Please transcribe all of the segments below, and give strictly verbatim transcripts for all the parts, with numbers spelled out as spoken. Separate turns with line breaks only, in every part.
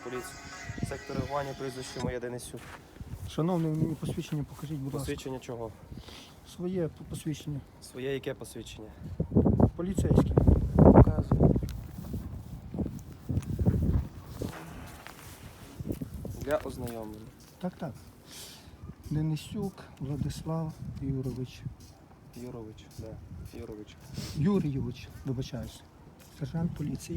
поліції. Сектор реагування, прізвище моє Денисюк.
Шановний, мені посвідчення покажіть, будь ласка.
Посвідчення чого?
Своє посвідчення.
Своє яке посвідчення?
Поліцейське.
Показую. Для ознайомлення.
Так, так. Денисюк Владислав Юрович.
Юрович, да. Юрович.
Юрійович, вибачаюсь. Сержант поліції.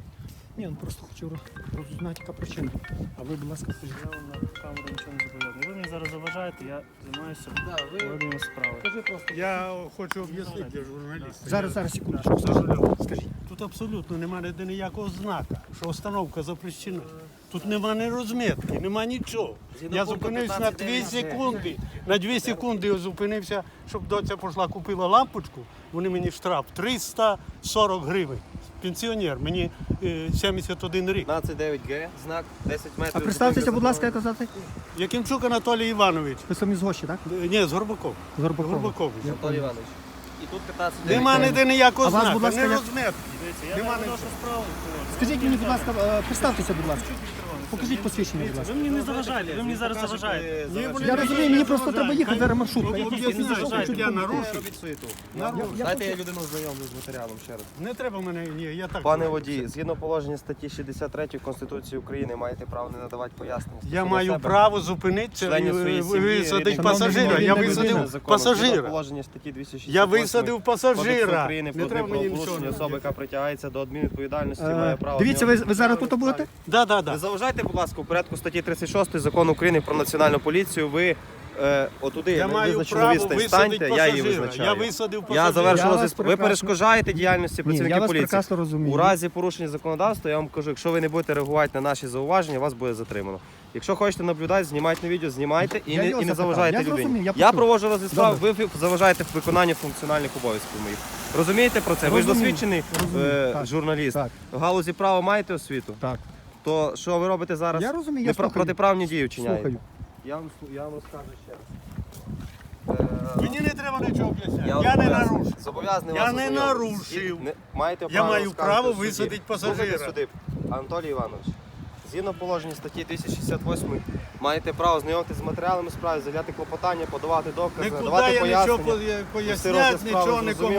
Ні, ну просто хочу роз- розузнати, яка причина. А ви, будь ласка, скажіть.
Я вам на камеру нічого не зобов'язаний. Ви мені зараз заважаєте, я займаюся
Да, ви-
проведенням справи.
Скажи просто.
Я хочу об'яснити для журналістів.
Зараз, зараз, секундочку. Скажіть. Скажіть.
Тут абсолютно немає ніде ніякого знака, що установка запрещена. Тут нема ні розмітки, нема нічого.
Згідно
Я
пункту
зупинився на дві секунди. На дві секунди я зупинився, щоб доця пішла купила лампочку. Вони мені штраф триста сорок гривень. Пенсіонер, мені е, сімдесят один рік.
п'ятнадцять дев'ять Г, знак десять метрів.
А представтеся, будь ласка, як казати?
Якимчук Анатолій Іванович.
Ви самі з Гощі, так?
Е, Ні, з Горбаков.
З Горбакова.
Горбакович.
Анатолій Іванович. І тут п'ятнадцять дев'ять
Нема
Г.
ніде ніякого
А вас,
знака,
будь ласка,
не
як-
розмітки.
Дивіться, я
Нема
не
нічого.
нашу справу.
Скажіть мені, будь ласка, е, представтеся, будь ласка. Покажіть посвідчення, будь ласка.
Ви мені не заважаєте, ви мені зараз заважаєте.
Я розумію, мені просто треба їхати, зараз маршрутка. Я
Ну,
просто
об'ясніть,
зайшов,
що
хочу
я
допомогти.
нарушив.
Робіть суєту.
Нарушив.
Я
Дайте я
хочу-
людину знайомлю з матеріалом ще раз.
Не треба мене, ні, я так.
Пане водій, згідно положення статті шістдесят три Конституції України маєте право не надавати пояснення.
Я
стосовно
маю
себе,
право зупинитися і
членів своєї сім'ї,
висадити
рідних.
пасажира.
Шановний,
Я
він не
висадив
людина.
Законом. Згідно
пасажира.
положення статті двісті шістдесят
Я
восьмої
висадив
Кодексу
пасажира.
України
Не
про
треба мені нічого.
правопорушення особи, яка притягається до адмінвідповідальності,
Е,
має право.
Дивіться, ви, ви зараз тут будете?
Да, да,
Не
да.
заважайте, будь ласка, у порядку статті тридцять шість Закону України про національну поліцію. Ви е, отуди
Я
на
маю
визначену
право
відстань
висадити
станьте, я її
пасажира.
визначаю.
Я висадив
Я
пасажира.
завершу
Я вас
розгляд. Ви
прекрасно-
перешкоджаєте діяльності
Ні, я
працівників
вас
поліції.
прекрасно розумію.
У разі порушення законодавства, я вам кажу, якщо ви не будете реагувати на наші зауваження, вас буде затримано. Якщо хочете наблюдати, знімайте на відео, знімайте і
Я
не,
його
і не
запитав.
заважайте
Я
людині.
зрозумів, я
я
почув.
проводжу розгляд справи,
Добре.
ви заважаєте в виконанні функціональних обов'язків моїх. Розумієте про це? Ви ж
Розумію,
досвідчений
розумію,
е,
так,
журналіст.
так.
В галузі права маєте освіту?
Так.
То що ви робите зараз?
Я розумію, я
Непро-
слухаю.
протиправні дії вчиняєте.
Слухаю.
Я вам, слу- я вам розкажу ще раз. Е,
Мені не треба нічого об'ясняти.
вам
Я не
зобов'язаний-
нарушив.
Зобов'язаний
Я
вас
не
ознайомити.
нарушив.
Не- маєте
Я
право
маю
розказувати
право
в суді.
висадити пасажира.
Слухайте суди. Анатолій Іванович, згідно положення статті двісті шістдесят восьмої, маєте право знайомитися з матеріалами справи, заявляти клопотання, подавати докази,
Нікуди
надавати
я нічого
пояснення.
поя-
Вести розгляд
поясняти,
справи,
нічого нікому
зрозуміло.